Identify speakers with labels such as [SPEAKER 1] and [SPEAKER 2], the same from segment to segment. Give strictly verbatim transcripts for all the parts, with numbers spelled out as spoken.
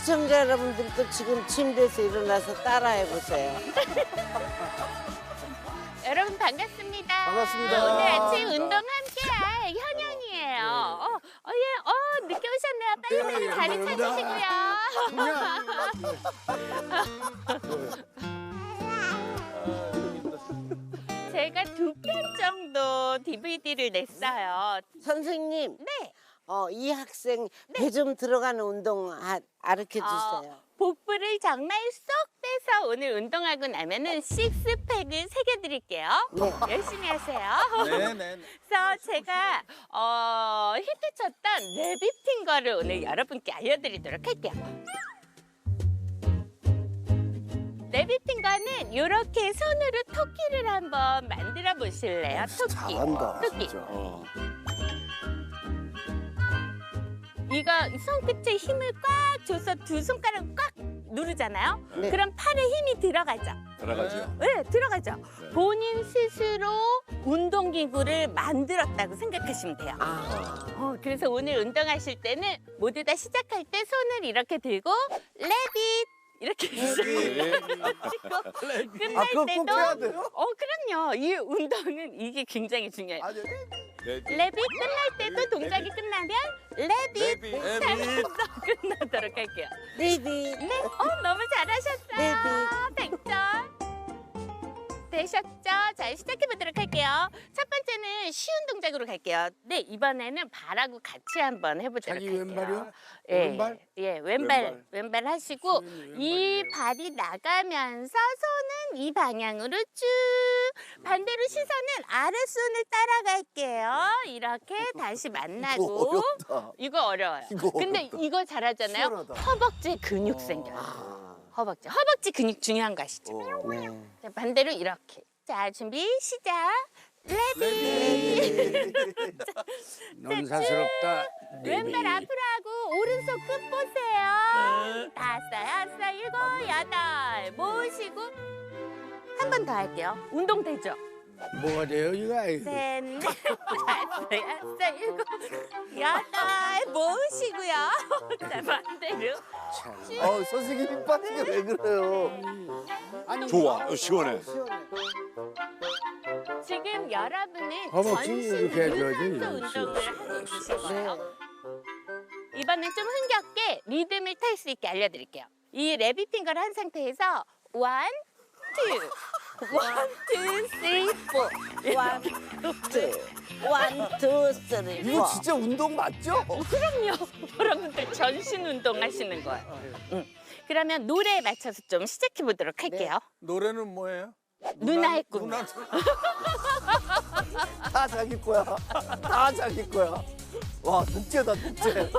[SPEAKER 1] 시청자 여러분들도 지금 침대에서 일어나서 따라해보세요.
[SPEAKER 2] 여러분 반갑습니다.
[SPEAKER 3] 반갑습니다.
[SPEAKER 2] 오늘 아침 운동 함께할 현영이에요. 어, 어, 예, 어, 늦게 오셨네요. 빨리 빨리
[SPEAKER 3] 네,
[SPEAKER 2] 자리 찾으시고요. 제가 두 편 정도 디비디를 냈어요.
[SPEAKER 1] 선생님,
[SPEAKER 2] 네.
[SPEAKER 1] 어, 이 학생 배 좀 들어가는 운동 아, 가르쳐 주세요.
[SPEAKER 2] 어, 복부를 정말 쏙 빼서 오늘 운동하고 나면은 식스팩을 새겨드릴게요.
[SPEAKER 1] 네.
[SPEAKER 2] 열심히 하세요.
[SPEAKER 3] 네네.
[SPEAKER 2] 그래서 제가 어, 히트쳤던 레비팅 거를 오늘 여러분께 알려드리도록 할게요. 레비팅 거는 이렇게 손으로 토끼를 한번 만들어 보실래요? 토끼.
[SPEAKER 3] 잘한다.
[SPEAKER 2] 토끼.
[SPEAKER 3] 진짜. 어.
[SPEAKER 2] 이거 손끝에 힘을 꽉 줘서 두 손가락 꽉 누르잖아요.
[SPEAKER 1] 네.
[SPEAKER 2] 그럼 팔에 힘이 들어가죠.
[SPEAKER 3] 들어가죠.
[SPEAKER 2] 네, 들어가죠.
[SPEAKER 3] 네.
[SPEAKER 2] 본인 스스로 운동기구를 만들었다고 생각하시면 돼요.
[SPEAKER 1] 아,
[SPEAKER 2] 어, 그래서 오늘 운동하실 때는 모두 다 시작할 때 손을 이렇게 들고 레빗 이렇게 시작하시고 끝날
[SPEAKER 3] 아, 그거 꼭
[SPEAKER 2] 때도
[SPEAKER 3] 해야 돼요?
[SPEAKER 2] 어 그럼요. 이 운동은 이게 굉장히 중요해요.
[SPEAKER 3] 아니,
[SPEAKER 2] 레빗 끝날 때도 동작이 끝나면 레빗
[SPEAKER 3] 레빗.
[SPEAKER 2] 하면서 끝나도록 할게요.
[SPEAKER 1] 레빗.
[SPEAKER 2] 네, 어 너무 잘하셨어요. 백 점 되셨죠? 자, 시작해 보도록 할게요. 첫 번째는 쉬운 동작으로 갈게요. 네, 이번에는 발하고 같이 한번 해보도록
[SPEAKER 4] 자기
[SPEAKER 2] 할게요.
[SPEAKER 4] 왼발이요?
[SPEAKER 2] 예,
[SPEAKER 4] 왼발?
[SPEAKER 2] 예, 왼발,
[SPEAKER 3] 왼발.
[SPEAKER 2] 왼발 하시고
[SPEAKER 4] 수현이
[SPEAKER 2] 이
[SPEAKER 4] 왼발이에요.
[SPEAKER 2] 발이 나가면서 손은 이 방향으로 쭉 반대로 시선은 아랫손을 따라갈게요. 이렇게 다시
[SPEAKER 3] 이거
[SPEAKER 2] 만나고
[SPEAKER 3] 어렵다.
[SPEAKER 2] 이거 어려워요.
[SPEAKER 3] 이거
[SPEAKER 2] 근데
[SPEAKER 3] 어렵다.
[SPEAKER 2] 이거 잘하잖아요.
[SPEAKER 3] 시원하다.
[SPEAKER 2] 허벅지에 근육 생겨요.
[SPEAKER 3] 아.
[SPEAKER 2] 허벅지. 허벅지 근육 중요한 거 아시죠?
[SPEAKER 3] 어.
[SPEAKER 1] 네.
[SPEAKER 2] 자, 반대로 이렇게. 자, 준비 시작. 레디.
[SPEAKER 4] 논사스럽다.
[SPEAKER 2] 왼발 앞으로 하고 오른손 끝 보세요. 다섯, 여섯, 일곱, 여덟. 모으시고 한 번 더 할게요. 운동 되죠?
[SPEAKER 4] 뭐가 돼요 이거? 아이고.
[SPEAKER 2] 셋, 넷, 다섯, 여섯, 일곱, 여덟. 모으시고요. 자, 반대로.
[SPEAKER 4] 참.
[SPEAKER 3] 어, 선생님 힘 빠지게 왜 그래요?
[SPEAKER 4] 아니
[SPEAKER 5] 좋아, 어, 시원해.
[SPEAKER 1] 시원해.
[SPEAKER 2] 지금 여러분은
[SPEAKER 4] 허벅지
[SPEAKER 2] 전신
[SPEAKER 4] 이렇게 해줘야지.
[SPEAKER 2] 유산소 운동을 하고 계신 거예요.
[SPEAKER 1] 네.
[SPEAKER 2] 이번엔 좀 흥겹게 리듬을 탈 수 있게 알려드릴게요. 이 레비핑거를 한 상태에서 원, 투, 원, 투, 쓰리, 포.
[SPEAKER 1] 원, 투, 원, 투, 쓰리,
[SPEAKER 3] 이거
[SPEAKER 1] 포.
[SPEAKER 3] 진짜 운동 맞죠?
[SPEAKER 2] 그럼요. 여러분들 전신 운동 하시는 거예요. 응. 그러면 노래에 맞춰서 좀 시작해 보도록 할게요.
[SPEAKER 4] 노래는 뭐예요?
[SPEAKER 2] 누나 의 꿈.
[SPEAKER 4] 누나
[SPEAKER 3] 다 자기 거야. 다 자기 거야. 와, 독재다, 독재.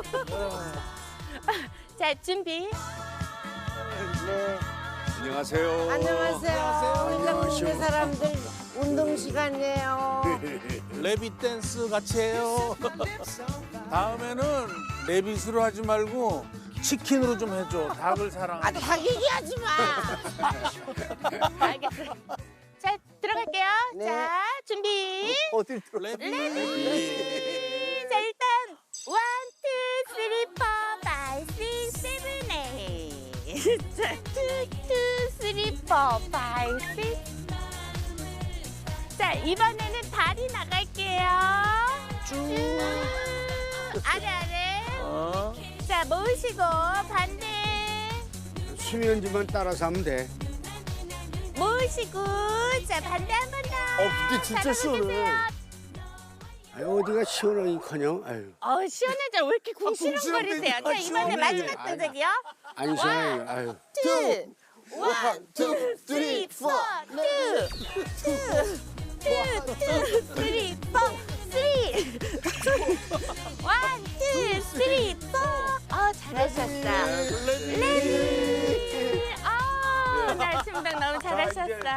[SPEAKER 2] 자, 준비.
[SPEAKER 1] 네.
[SPEAKER 5] 안녕하세요.
[SPEAKER 1] 안녕하세요. 운동국의 사람들 운동 시간이에요.
[SPEAKER 4] 레빗 댄스 같이 해요. 다음에는 레빗으로 하지 말고 치킨으로 좀 해줘. 닭을 사랑하.
[SPEAKER 1] 아, 다 얘기하지 마.
[SPEAKER 2] 알겠어요. 자, 들어갈게요.
[SPEAKER 1] 네.
[SPEAKER 2] 자, 준비.
[SPEAKER 3] 어딜 들어?
[SPEAKER 4] 레빗.
[SPEAKER 2] 자, 일단 원, 투, 쓰리, 포, 파이, 식스, 세븐, 에잇. 자, 투, 투, 쓰리, 포, 파이, 식스. 자, 이번에는 다리 나갈게요. 쭉. 아래 아래.
[SPEAKER 4] 어?
[SPEAKER 2] 자, 모으시고 반대.
[SPEAKER 4] 수면지만 따라서 하면 돼.
[SPEAKER 2] 모으시고. 자, 반대 한 번 더.
[SPEAKER 3] 어, 근데 진짜
[SPEAKER 2] 잘하고
[SPEAKER 3] 시원해.
[SPEAKER 2] 계세요.
[SPEAKER 4] 아유 어디가 시원하기커녕. 아유
[SPEAKER 2] 어, 시원하죠. 왜 이렇게 궁시렁거리세요? 자,
[SPEAKER 3] 아,
[SPEAKER 2] 이번에
[SPEAKER 3] 시원해.
[SPEAKER 2] 마지막
[SPEAKER 4] 아니야.
[SPEAKER 2] 동작이요.
[SPEAKER 4] 안 시원해. 아유.
[SPEAKER 2] 투, 원,
[SPEAKER 3] 투,
[SPEAKER 2] 쓰리,
[SPEAKER 3] 쓰리,
[SPEAKER 2] 포,
[SPEAKER 3] 포.
[SPEAKER 2] 투, 투, 투, 투, 쓰리, 포.